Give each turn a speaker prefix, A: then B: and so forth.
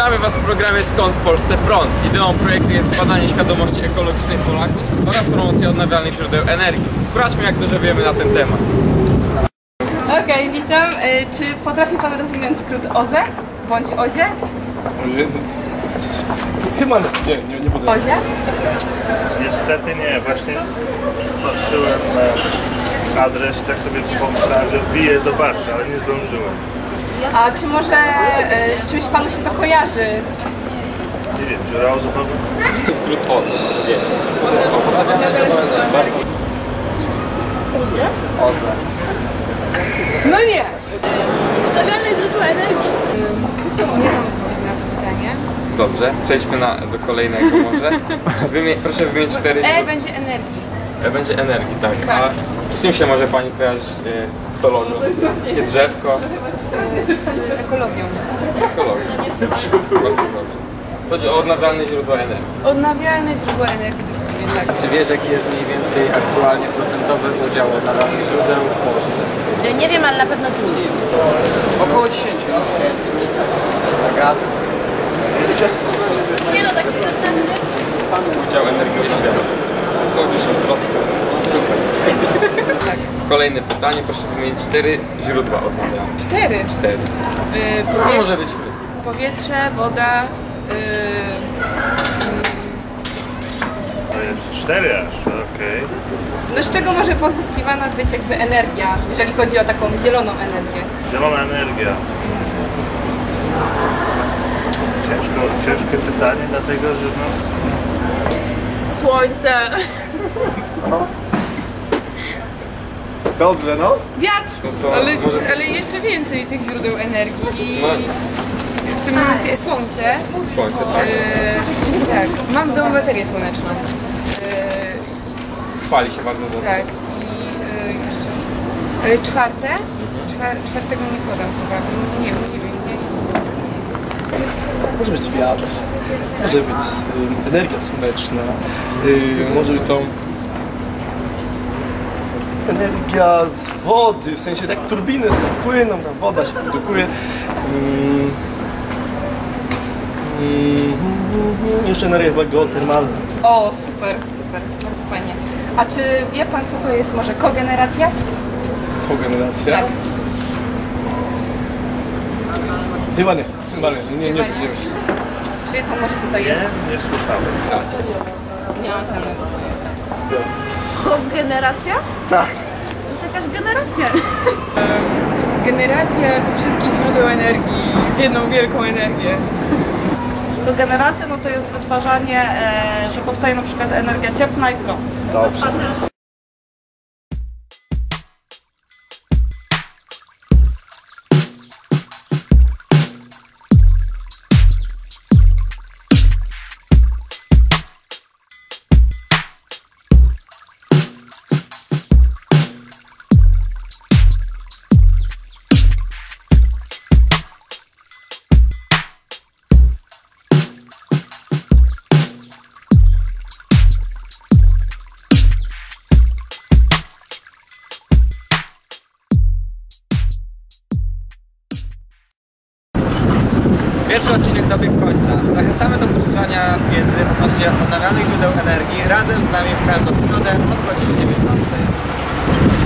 A: Witamy Was w programie Skąd w Polsce Prąd. Ideą projektu jest zbadanie świadomości ekologicznej Polaków oraz promocja odnawialnych źródeł energii. Sprawdźmy, jak dużo wiemy na ten temat.
B: Okej, witam. Czy potrafi Pan rozwinąć skrót OZE bądź OZIE?
C: Chyba nie potrafię.
B: OZIE?
D: Niestety nie, właśnie patrzyłem na adres i tak sobie pomyślałem, że wbiję, zobaczę, ale nie zdążyłem.
B: A czy może z czymś Panu się to kojarzy?
D: Nie wiem, dziura ozonowa?
A: To skrót OZE, wiecie. Co to jest OZE? Bardzo.
B: OZE?
A: OZE.
B: No nie!
E: Odnawialne źródła energii.
B: Nie mam odpowiedzi na to pytanie.
A: Dobrze, przejdźmy do kolejnego może. Proszę wymienić 4
B: E będzie energii.
A: Będzie energii, tak.
B: Tak.
A: A z czym się może Pani kojarzyć to logo? Takie drzewko?
B: Z ekologią.
A: Ekologia. Bardzo dobrze. Chodzi o odnawialne źródła energii.
B: Odnawialne źródła energii, dokładnie tak.
C: Czy wiesz, jaki jest mniej więcej aktualnie procentowy udział odnawialnych źródeł w Polsce?
E: Nie wiem, ale na pewno z plus.
C: Około 10. Uwaga. Jeszcze?
E: Nie no, tak z 14.
A: Udział energii 10%. Około 10%. Super.
B: Tak.
A: Kolejne pytanie, proszę wymienić 4 źródła odnawialne.
B: 4.
A: 4. No może być
B: Powietrze, woda,
D: To jest 4 aż, okej.
B: no z czego może pozyskiwana być jakby energia, jeżeli chodzi o taką zieloną energię?
D: Zielona energia. Ciężkie pytanie, dlatego że no...
E: Słońce.
C: Dobrze, no.
B: Wiatr!
A: No to
B: Ale,
A: może-
B: ale jeszcze więcej tych źródeł energii i
A: No.
B: w tym momencie słońce.
A: Słońce, tak.
B: Tak, mam w domu baterię słoneczną.
A: Chwali się bardzo dobrze.
B: Tak, i jeszcze. Ale czwarte? Czwartego nie podam chyba, bo nie wiem.
C: Może być wiatr, może być energia słoneczna, może być to energia z wody, w sensie tak turbiny tam płyną, tam woda się produkuje. Jeszcze energia chyba geotermalna.
B: O, super, bardzo fajnie. A czy wie Pan, co to jest może kogeneracja?
C: Kogeneracja?
B: Tak.
C: Chyba nie, nie wiem.
B: Czy wie Pan może, co to jest?
D: Nie słyszałem.
A: Racja.
B: Nie mam żadnego pojęcia.
E: Kogeneracja?
C: Tak.
E: To jest jakaś generacja.
B: Generacja tych wszystkich źródeł energii w jedną wielką energię.
F: Kogeneracja no to jest wytwarzanie, że powstaje na przykład energia cieplna i prąd.
C: Dobrze.
G: Pierwszy odcinek dobiegł końca. Zachęcamy do posłuchania wiedzy odnośnie odnawialnych źródeł energii razem z nami w każdą środę od godziny 19.